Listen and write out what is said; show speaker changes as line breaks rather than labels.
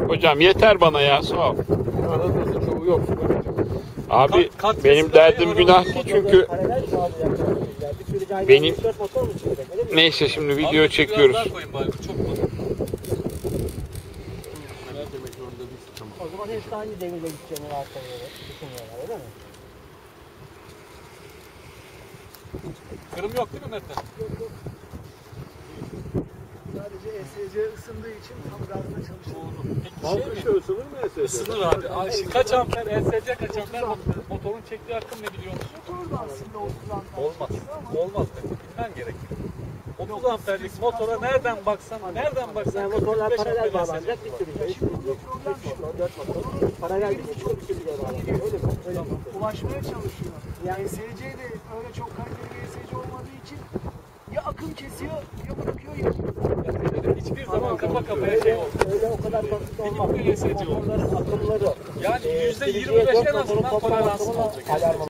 Hocam yeter bana ya, sağ ol.
Anadolu'da çoğu yok.
Abi benim derdim günah değil çünkü benim neyse şimdi video çekiyoruz.
O zaman hepsi aynı devirle gideceğini varsayıyorlar. Düşünüyorlar öyle mi?
Kırım yok değil mi Mert'ten?
Yok. Sadece ESC ısındığı için tam gazda çalışıyor.
Halk dışı ısınır mı ESC? Isınır abi. Kaç amper ESC kaç amper motorun çektiği akım ne biliyor musun?
Motor da aslında 30 amper.
Olmaz. Olmaz. Bilmen gerekir. 30 amperlik motora nereden baksan
Yani motorlar paralel bağlanacak bir sürü şey. 3 motor, 4 motor. Paralel bir sürü bağlanacak. Öyle mi? Öyle mi?
Ulaşmaya çalışıyor. Yani ESC de öyle çok kaliteli bir ESC olmadığı için ya akım kesiyor ya bırakıyor ya.
hiçbir zaman kafa kafaya şey olmaz.
Öyle o kadar basit olmaz.
Bir ESC olur.
Motorların akımları.
Yani %25 en azından toleransı olacak.